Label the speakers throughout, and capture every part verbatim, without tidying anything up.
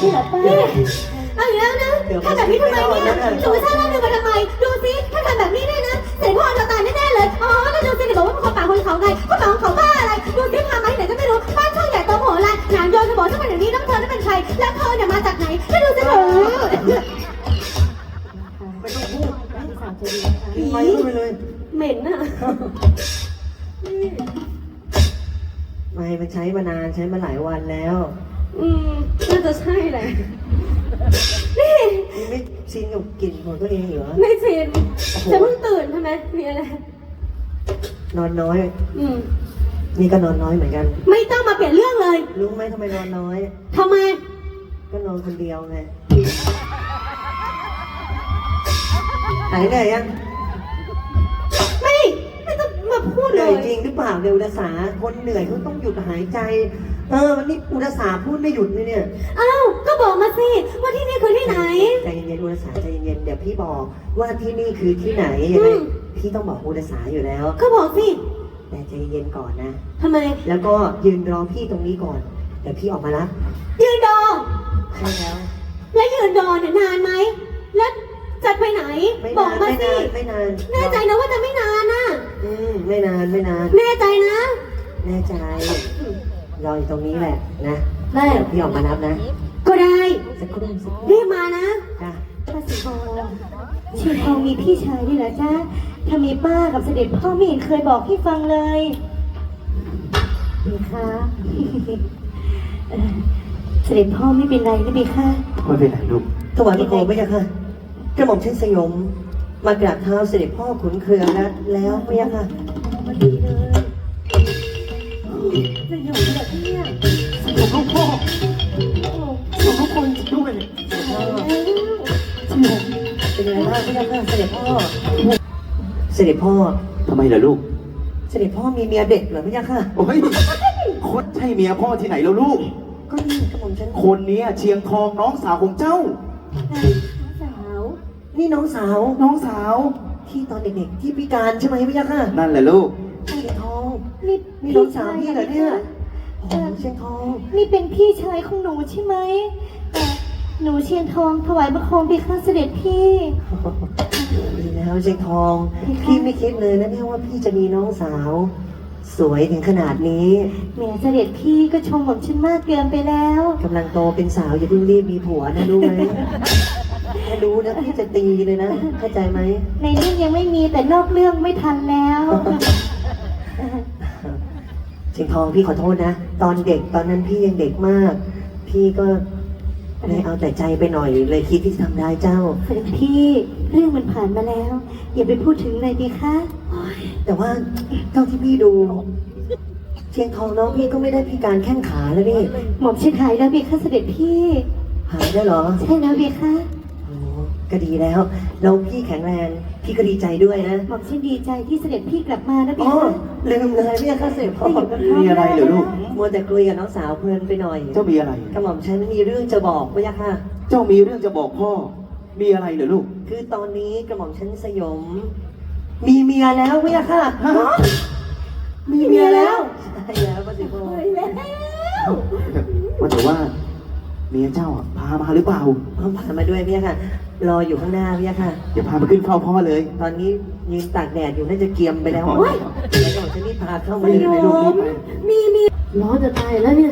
Speaker 1: ช่เหรอป้าเอาอีกแล้วนะทำแบบนี้ทำไมเนี่ยสุภาพเล่าเรื่องมาทำไมดูสิถ้าทำแบบนี้เนี่ยนะเสด็จพ่อเราตายแน่ๆเลยอ๋อแล้วดูสิเดี๋ยวบอกว่าเป็นคนป่าคนเขาไงคนป่าคนเขาบ้าอะไรดูสิพามาที่ไหนก็ไม่รู้บ้านช่างใหญ่โตโหฬารหนามโยนจะบอกฉันเป็นอย่างนี้น้ำเธอนั่นเป็นใครแล้วเธอเนี่ยมาจากไหนแล้วดูสิเธอ
Speaker 2: ไม่ต้องพูดกินไปไปเลย
Speaker 1: เหม็นอ่ะ
Speaker 2: ไม่มันใช้มานานใช้มาหลายวันแล้ว
Speaker 1: อืมน่าจะใช่แหละนี่
Speaker 2: ไม่ชินกับกลิ่นของตัวเองเหรอ
Speaker 1: ไม่ชินจะเพิ่งตื่นทำไมมีอะไร
Speaker 2: นอนน้อย
Speaker 1: อืม
Speaker 2: นี่ก็นอนน้อยเหมือนกัน
Speaker 1: ไม่ต้องมาเปลี่ยนเรื่องเลย
Speaker 2: รู้ไหมทำไมนอนน้อย
Speaker 1: ทำไม
Speaker 2: ก็นอนคนเดียวไงหายเหนื่อยยัง
Speaker 1: ไม่ไม่ต้องมาพูดเลย
Speaker 2: จริงหรือเปล่าเดี๋ยวอุตสาคนเหนื่อยเขาต้องหยุดหายใจเออวันนี้อุตสาพูดไม่หยุดเลยเนี่ย
Speaker 1: อ้าวก็บอกมาสิว่าที่นี่คือที่ไหน
Speaker 2: ใจเย็นๆอุตสาใจเย็นๆเดี๋ยวพี่บอกว่าที่นี่คือที่ไหนยังไงพี่ต้องบอกอุตสาอยู่แล้ว
Speaker 1: ก็บอกสิ
Speaker 2: แต่ใจเย็นก่อนนะ
Speaker 1: ทำไม
Speaker 2: แล้วก็ยืนรอพี่ตรงนี้ก่อนเดี๋ยวพี่ออกมารับ
Speaker 1: ยืนรอ
Speaker 2: ใช่แล้ว
Speaker 1: แล้วยืนรอเนี่ยนานไหมแล้วจะไปไหนบอกมาสิ
Speaker 2: ไม่นาน
Speaker 1: แน่ใจนะว่าจะไม่นานนะ
Speaker 2: อืมไม่นานไม่นาน
Speaker 1: แน่ใจนะ
Speaker 2: แน่ใจรออยู่ตรงนี้แหละนะ
Speaker 1: ได้
Speaker 2: พี่ออกมารับนะ
Speaker 1: ก็ได้
Speaker 2: สักครู่สักครู่
Speaker 1: รีบมานะ
Speaker 2: จ้ะ
Speaker 1: ป้าสีทองชีทองมีพี่ชายด้วยเหรอจ๊ะถ้ามีป้ากับเสด็จพ่อไม่เห็นเคยบอกพี่ฟังเลยนี่ค่ะเสด็จพ่อไม่เป็นไรนะเบค่ะ
Speaker 3: ไม่เป็นไรลูก
Speaker 2: ถวายพระโคมไม่ใช่ค่ะกระหม่อมเช่นสยมมากราบเท้าเสด็จพ่อขุนเคืองแล้วแล้วไม่ใช่ค่ะ
Speaker 1: มาดีเลยจะอยู่แบบนี้
Speaker 3: สมพ่อสมพ่อด้วย
Speaker 2: เป็นไงบ้างไม่ใช่ค่ะเสด็จพ่อเสด็จพ่อ
Speaker 3: ทำไมล่ะลูก
Speaker 2: เสด็จพ่อมีเมียเด็กเหรอไม่ใช่ค่ะ
Speaker 3: โอ้ยคดใช่เมียพ่อที่ไหนแล้วลูก
Speaker 2: ก็นี่กระหม่อมฉัน
Speaker 3: คนนี้เชียงทองน้องสาวของเจ้า
Speaker 1: สาว
Speaker 2: นี่น้องสาว
Speaker 3: น้องสาว
Speaker 2: ที่ตอนเด็กๆที่พิการใช่ไหมพี่ยักษ์ค่ะ
Speaker 3: นั่นแหละลูก
Speaker 2: เชียงทองนี่นี่น้องสาวพี่เหรอเนี่ยโอ้เชียงทอง
Speaker 1: นี่เป็นพี่ชายของหนูใช่ไหมหนูเชียงทองถวายบังคมพี่ข้าเสด็จพี่
Speaker 2: ดีแล้วเชียงทองพี่ไม่คิดเลยนะเนี่ยว่าพี่จะมีน้องสาวสวยถึงขนาดนี้
Speaker 1: แม่เสด็จพี่ก็ชมผมฉันมากเกินไปแล้ว
Speaker 2: กำลังโตเป็นสาวอย่าเพิ่งรีบมีผัวนะรู้ไหมถ้ารู้นะพี่จะตีเลยนะเข้าใจไหม
Speaker 1: ในเรื่องยังไม่มีแต่นอกเรื่องไม่ทันแล้ว
Speaker 2: เชียงทองพี่ขอโทษนะตอนเด็กตอนนั้นพี่ยังเด็กมากพี่ก็เลยเอาแต่ใจไปหน่อยเลยคิดที่จะทำร้ายเจ้า
Speaker 1: เสด็จพี่เรื่องมันผ่านมาแล้วอย่าไปพูดถึงเลยดีคะ
Speaker 2: แต่ว่าเท่าที่พี่ดูเชียงทองน้องพี่ก็ไม่ได้พิการแข้งขาแล้วนี่
Speaker 1: หม่อมชิดหายแล้วเบียค่ะเสด็จพี่
Speaker 2: หายได้หรอ
Speaker 1: ใช่แล้วเบียค่ะ
Speaker 2: โอ้ก็ดีแล้วเราพี่แข็งแรงพี่ก็ดีใจด้วยนะ
Speaker 1: หม่อมชิดดีใจที่เสด็จพี่กลับมานะเบีย
Speaker 2: ค่ะลืมเลยเบียค่ะเสด็จพ่อ
Speaker 3: มีอะไรเหรอลูก
Speaker 2: มัวแต่คุยกับน้องสาวเพลินไปหน่อย
Speaker 3: เจ้ามีอะไร
Speaker 2: กระหม่อมฉันมีเรื่องจะบอกเบียค่ะ
Speaker 3: เจ้ามีเรื่องจะบอกพ่อมีอะไรเหรอลูก
Speaker 2: คือตอนนี้กระหม่อมฉันสยมมีเมียแล้วเบียค่ะ
Speaker 1: มีเมียแล้ว
Speaker 2: ใช่แล้วป้าสิโบ
Speaker 1: แล้ว
Speaker 3: ว่าแต่ว่าเมียเจ้าพามาหรือเปล่า
Speaker 2: พามาด้วยพี่ค่ะรออยู่ข้างหน้าพี่ค่ะ
Speaker 3: เดี๋ยวพามาขึ้นเฝ้าพ่อเลย
Speaker 2: ตอนนี้ยืนตากแดดอยู่น่าจะเกียมไปแล้วแล้วก็จะรีบพาเข้ามาเลยในลูกนี้
Speaker 1: มีมีร้อนจะตายแล้วเนี่ย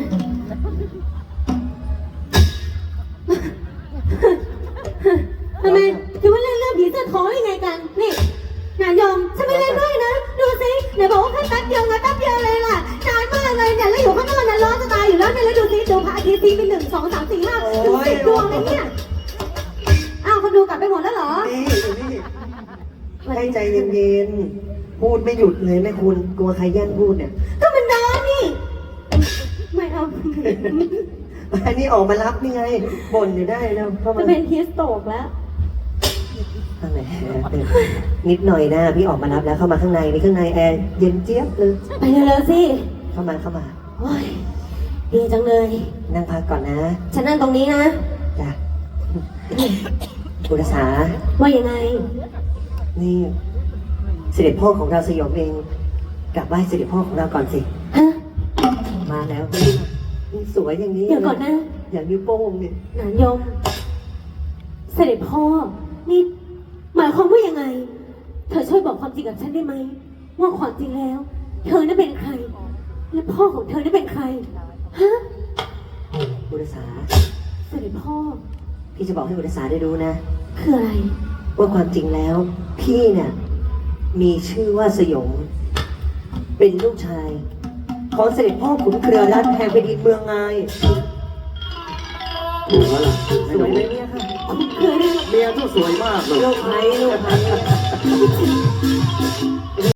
Speaker 1: ทำไมจะว่าเล่นเรื่องผีเสื้อทองยังไงกันนี่นายยอมฉันไม่เล่นด้วยนะดูสิไหนบอกว่าแค่แป๊บเดียวไงแป๊บเดียวเลยล่ะนานมากเลยเนี่ยแล้วอยู่ข้างนอกนั้นร้อนจะตายอยู่แล้วเนี่ยแล้วดูสิดูพระอาทิตย์ตีเป็นหนึ่งสองสามสี่ห้าดูสิดวงอะไรเนี่ยอ้าวคนดูกลับไปหมดแล้วเหรอ
Speaker 2: นี่นี่ให้ใจเย็นๆพูดไม่หยุดเลยแม่คุณกลัวใครแย่งพูดเนี่ย
Speaker 1: ก็มันร้อนนี่ไม่เอา
Speaker 2: อันนี้ออกมารับนี่ไงบ่นอยู่ได้แล้ว
Speaker 1: จะเป็นฮิสโตกแล้ว
Speaker 2: ข้างในนิดหน่อยนะพี่ออกมารับแล้วเข้ามาข้างในนี่ข้างในแอร์เย็นเจี๊ยบเลย
Speaker 1: ไปเร็วๆสิ
Speaker 2: เข้ามาเข้ามา
Speaker 1: โอ้ยดีจังเลย
Speaker 2: นั่งพักก่อนนะ
Speaker 1: ฉันนั่งตรงนี้นะ
Speaker 2: จ้ะบุรษา
Speaker 1: ว่ายังไง
Speaker 2: นี่เสด็จพ่อของเราสยองเองกลับไหว้เสด็จพ่อของเราก่อนสิ
Speaker 1: ฮะ
Speaker 2: มาแล้วสวยอย่างนี้
Speaker 1: เดี๋ยวก่อนนะ
Speaker 2: อย่างนิ้วโป้งเนี่ย
Speaker 1: นานยม เสด็จพ่อ นี่ หมายความว่ายังไง เธอช่วยบอกความจริงกับฉันได้ไหม ว่าความจริงแล้ว เธอนั้นเป็นใคร และพ่อของเธอนั้นเป็นใคร ฮะ
Speaker 2: บุรษา
Speaker 1: เสด็จพ่อ
Speaker 2: พี่จะบอกให้บุรษาได้รู้นะ
Speaker 1: คืออะไร
Speaker 2: ว่าความจริงแล้ว พี่เนี่ยมีชื่อว่าสยม เป็นลูกชาย ของเสด็จพ่อขุนเครือรัตน์แห่งแผ่นดินเมืองไง
Speaker 3: ถูกแล้วล่ะ
Speaker 2: ส
Speaker 3: ไอ้ห
Speaker 2: ว
Speaker 3: นู
Speaker 2: ยไหมเนี่ยค่ะ
Speaker 1: คุณเคยได้
Speaker 3: เมียเจ้าสวยมากเลย
Speaker 2: ลูกไผ่ลูกไผ่